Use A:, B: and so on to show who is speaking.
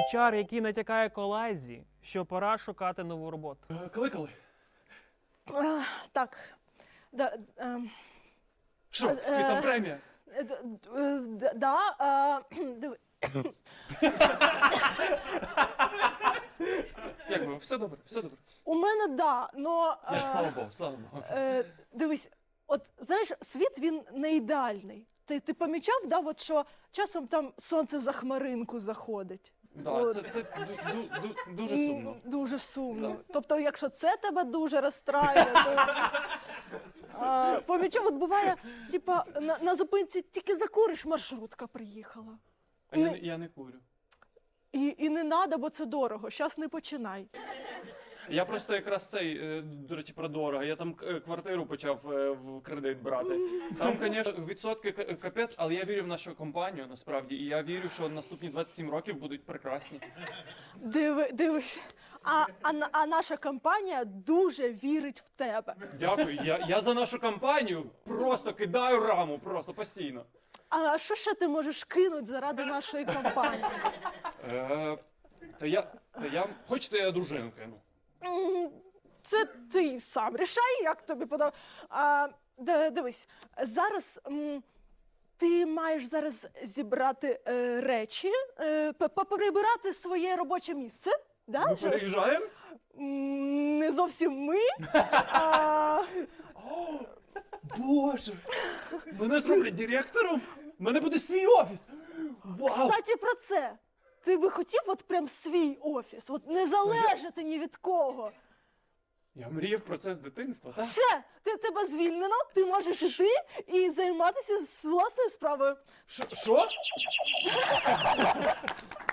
A: HR, який натякає колезі, що пора шукати нову роботу.
B: Кликали?
C: Так.
B: Що, там премія?
C: Диви.
B: Як ви? Все добре, все добре.
C: У мене но...
B: Слава Богу, слава Богу.
C: Дивись, от знаєш, світ він не ідеальний. Ти помічав, от, що часом там сонце за хмаринку заходить?
B: Да, це дуже сумно.
C: Дуже сумно.
B: Да.
C: Тобто, якщо це тебе дуже розстраює, то помічав, от буває, типа, на зупинці тільки закуриш, маршрутка приїхала.
B: Я не курю.
C: І не треба, бо це дорого. Щас не починай.
B: Я просто якраз до речі, про дорого. Я там квартиру почав в кредит брати. Там, звісно, відсотки капець, але я вірю в нашу компанію, насправді. І я вірю, що наступні 27 років будуть прекрасні.
C: Дивись, а наша компанія дуже вірить в тебе.
B: Дякую. Я за нашу компанію просто кидаю раму, просто постійно.
C: А що ще ти можеш кинути заради нашої компанії?
B: Хочете, я дружину кину?
C: Це ти сам рішай, як тобі подобається. Дивись, зараз ти маєш зараз зібрати речі, поприбирати своє робоче місце. Да?
B: Ми переїжджаємо?
C: Не зовсім ми.
B: Боже! Мене зроблять директором? У мене буде свій офіс! Вау!
C: Кстати, про це. Ти би хотів от прям свій офіс, от не залежати ні від кого.
B: Я мріяв про це з дитинства. Так?
C: Все, тебе звільнено, ти можеш іти і займатися власною справою.
B: Що?